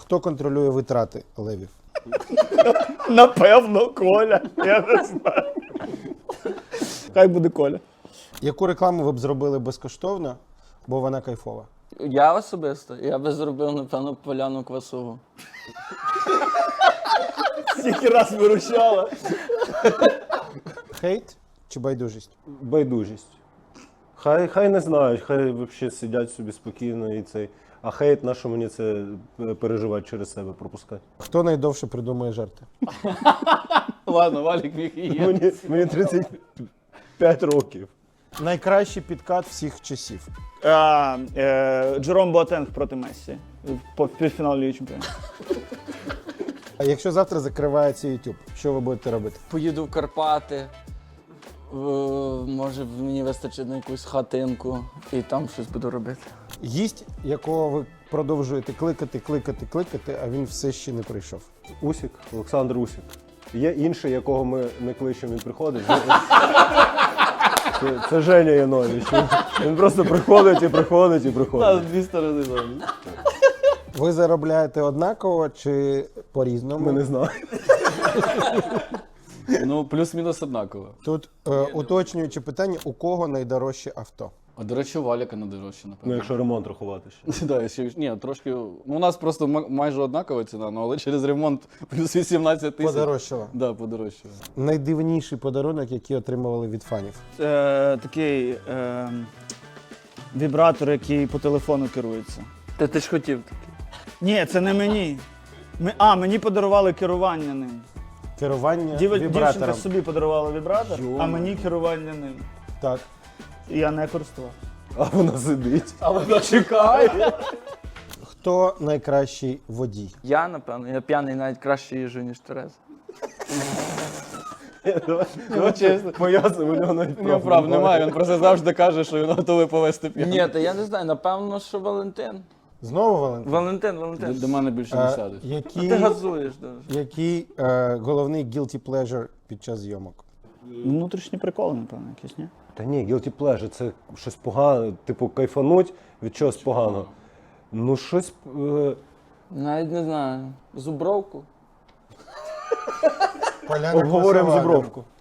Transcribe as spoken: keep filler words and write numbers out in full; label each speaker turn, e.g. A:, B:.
A: Хто контролює витрати левів?
B: Напевно, Коля. Я не знаю. Хай буде Коля.
A: Яку рекламу ви б зробили безкоштовно, бо вона кайфова?
C: Я особисто, я би зробив, напевно, поляну квасову.
B: Скільки раз виручала.
A: Хейт чи байдужість?
D: Байдужість. Хай, хай не знають, хай взагалі сидять собі спокійно і цей. А хейт, на що мені це переживати через себе, пропускати?
A: Хто найдовше придумує жарти?
C: Ладно, Валік міг і є.
D: Мені, мені тридцять п'ять років.
A: Найкращий підкат всіх часів.
B: А, е, Джером Боатенг проти Мессі. По півфіналу Ліги Чемпіонів.
A: А якщо завтра закривається YouTube, що ви будете робити?
C: Поїду в Карпати, в, може мені вистачить на якусь хатинку і там щось буду робити.
A: Гість, якого ви продовжуєте кликати, кликати, кликати, а він все ще не прийшов.
D: Усік, Олександр Усік. Є інший, якого ми не кличемо, він приходить. Це, це Женя Янович. Він просто приходить і приходить і приходить.
C: Дві сторони завжди.
A: Ви заробляєте однаково чи по-різному?
D: Ми не знаємо.
E: Ну, плюс-мінус однаково.
A: Тут е, уточнюючи питання, у кого найдорожче авто?
E: А, до речі, у Валіка найдорожче,
D: Ну,
E: напевно.
D: якщо ремонт рахувати ще.
E: Да, ще, ні, трошки. Ну, у нас просто ма- майже однакова ціна, ну, але через ремонт плюс вісімнадцять тисяч.
A: Подорожчало.
E: Да, подорожчало.
A: Найдивніший подарунок, який отримували від фанів.
B: Е, такий е, вібратор, який по телефону керується.
C: Та ти ж хотів таке.
B: Ні, це не мені. Ми, а, мені подарували керування ним.
A: Керування
B: Дів, дівчинка
A: вібратором.
B: собі подарувала вібратор, а мені керування ним.
A: Так.
B: І я не користував.
D: А вона сидить.
E: А вона чекає.
A: Хто найкращий водій?
C: Я, напевно, я п'яний навіть краще їжджу, ніж Тереза.
D: Ну, чесно. Пояснив, у нього навіть
E: У нього прав немає, він просто завжди каже, що він готовий повести п'яну.
C: Ні, та я не знаю, напевно, що Валентин.
A: Знову Валентин?
C: Валентин,
E: До,
C: Валентин.
E: до мене більше не
A: Е,
E: сядуть.
C: А
A: який
C: ти газуєш дуже.
A: який е, головний guilty pleasure під час зйомок?
B: Внутрішні приколи, напевно, якісь, ні?
D: Та ні, guilty pleasure, це щось погане, типу кайфануть від чогось поганого. Ну, щось. Е...
C: Навіть не знаю. Зубровку.
A: Поляна
D: Обговоримо
A: Квасова.
D: зубровку.